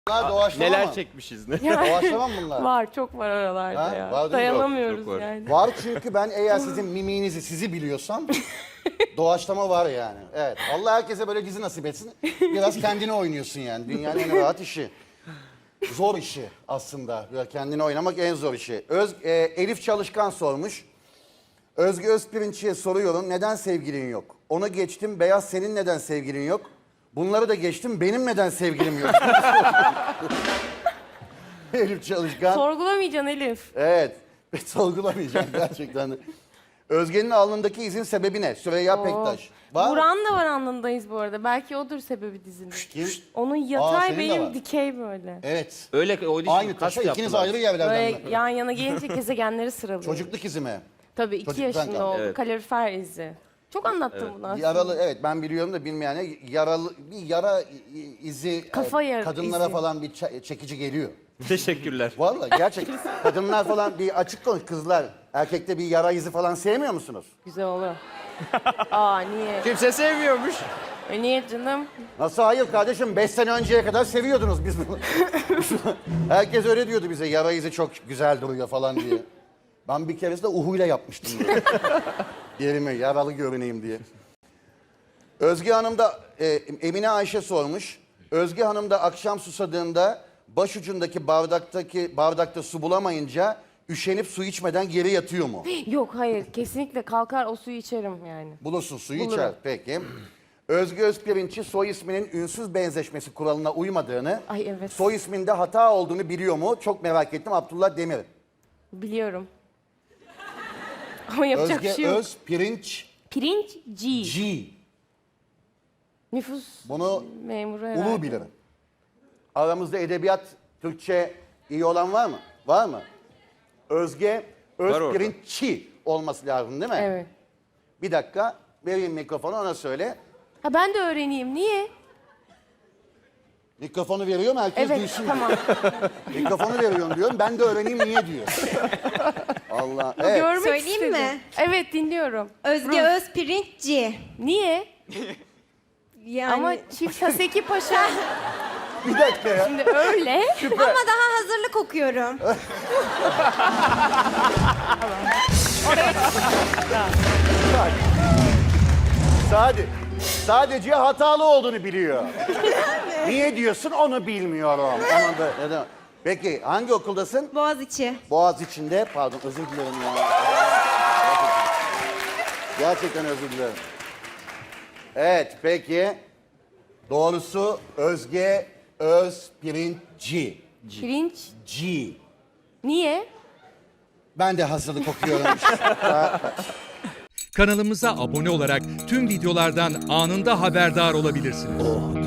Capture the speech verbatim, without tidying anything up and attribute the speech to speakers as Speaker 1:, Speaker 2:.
Speaker 1: Bunlar doğaçlama
Speaker 2: Neler
Speaker 1: mı?
Speaker 2: çekmişiz ne?
Speaker 1: Doğaçlama mı bunlar?
Speaker 3: Var, çok var aralarda
Speaker 1: Ha?
Speaker 3: ya.
Speaker 1: Var değil mi?
Speaker 3: Dayanamıyoruz
Speaker 2: Çok, çok var.
Speaker 3: yani.
Speaker 1: Var çünkü ben eğer sizin mimiğinizi sizi biliyorsam doğaçlama var yani. Evet. Allah herkese böyle dizi nasip etsin. Biraz kendini oynuyorsun yani. Dünyanın en rahat işi. Zor işi aslında. Böyle kendini oynamak en zor işi. Öz, e, Elif Çalışkan sormuş. Özge Özpirinç'e soruyorum. Neden sevgilin yok? Onu geçtim. Beyaz senin neden sevgilin yok? Bunları da geçtim. Benim neden sevgilim yok? Elif Çalışkan.
Speaker 3: Sorgulamayacaksın Elif.
Speaker 1: Evet. Sorgulamayacağım gerçekten de. Özge'nin alnındaki izin sebebi ne? Süreyya
Speaker 3: Oo.
Speaker 1: Pektaş. Var mı?
Speaker 3: Buran da var alnındayız bu arada. Belki odur sebebi dizinin.
Speaker 1: Kim?
Speaker 3: Onun
Speaker 1: Aa,
Speaker 3: yatay
Speaker 1: senin de var.
Speaker 3: benim dikey böyle.
Speaker 1: Evet.
Speaker 2: Öyle o
Speaker 1: Aynı taşa ikiniz ayrı yerlerden
Speaker 3: Böyle
Speaker 1: mi?
Speaker 3: yan yana gelince gezegenleri sıralıyor.
Speaker 1: Çocukluk izi mi?
Speaker 3: Tabii iki
Speaker 1: Çocukluktan
Speaker 3: yaşında
Speaker 1: kaldı.
Speaker 3: oldu.
Speaker 2: Evet.
Speaker 3: Kalorifer izi. Çok anlattım bunu aslında.
Speaker 1: Yaralı, evet ben biliyorum da bilmeyene yaralı bir yara izi
Speaker 3: Kafa
Speaker 1: e,
Speaker 3: yara
Speaker 1: kadınlara
Speaker 3: izi.
Speaker 1: falan bir ça- çekici geliyor.
Speaker 2: Teşekkürler.
Speaker 1: Vallahi gerçekten kadınlar falan bir açık konuş kızlar erkekte bir yara izi falan sevmiyor musunuz?
Speaker 3: Güzel olur. Aa niye?
Speaker 2: Kimse sevmiyormuş.
Speaker 3: E, niye canım?
Speaker 1: Nasıl hayır kardeşim? Beş sene önceye kadar seviyordunuz biz bunu. Herkes öyle diyordu bize. Yara izi çok güzel duruyor falan diye. Ben bir keresinde uhuyla yapmıştım. Yerime yaralı görüneyim diye. Özge Hanım da e, Emine Ayşe sormuş. Özge Hanım da akşam susadığında başucundaki bardaktaki bardakta su bulamayınca üşenip su içmeden geri yatıyor mu?
Speaker 3: Yok hayır kesinlikle kalkar o suyu içerim yani.
Speaker 1: Bulursun suyu
Speaker 3: Bulurum.
Speaker 1: içer. Peki. Özge Özpirinç'i soy isminin ünsüz benzeşmesi kuralına uymadığını,
Speaker 3: Ay evet.
Speaker 1: soy isminde hata olduğunu biliyor mu? Çok merak ettim. Abdullah Demir.
Speaker 3: Biliyorum. Ama yapacak
Speaker 1: Özge
Speaker 3: bir şey yok.
Speaker 1: Özpirinç
Speaker 3: Pirinç G.
Speaker 1: G.
Speaker 3: Nüfus
Speaker 1: Bunu
Speaker 3: memuru herhalde.
Speaker 1: ulu bilir. Aramızda edebiyat, Türkçe iyi olan var mı? Var mı? Özge
Speaker 2: orada.
Speaker 1: Özpirinç'i olması lazım değil mi?
Speaker 3: Evet.
Speaker 1: Bir dakika vereyim mikrofonu ona söyle.
Speaker 3: Ha ben de öğreneyim. Niye?
Speaker 1: Mikrofonu veriyorum herkes
Speaker 3: Evet
Speaker 1: duysun.
Speaker 3: tamam.
Speaker 1: Mikrofonu veriyorum diyorum. Ben de öğreneyim niye diyor. Allah. Evet.
Speaker 3: Görmek
Speaker 4: Söyleyeyim
Speaker 3: istedim.
Speaker 4: mi?
Speaker 3: Evet dinliyorum.
Speaker 4: Özge Özpirinçci.
Speaker 3: Niye?
Speaker 4: Yani
Speaker 3: Ama Çift Haseki Paşa
Speaker 1: Bir dakika ya.
Speaker 3: şimdi öyle.
Speaker 4: ama daha hazırlık okuyorum.
Speaker 1: Sadece, sadece hatalı olduğunu biliyor. Niye diyorsun onu bilmiyorum. Onu da, neden? Peki hangi okuldasın?
Speaker 4: Boğaziçi.
Speaker 1: Boğaz içinde. Pardon özür dilerim ya. Gerçekten, gerçekten özür dilerim. Evet peki. Doğrusu Özge Özpirinçci.
Speaker 3: Pirinç.
Speaker 1: G.
Speaker 3: Niye?
Speaker 1: Ben de hazırlık okuyorum.
Speaker 5: Kanalımıza abone olarak tüm videolardan anında haberdar olabilirsiniz.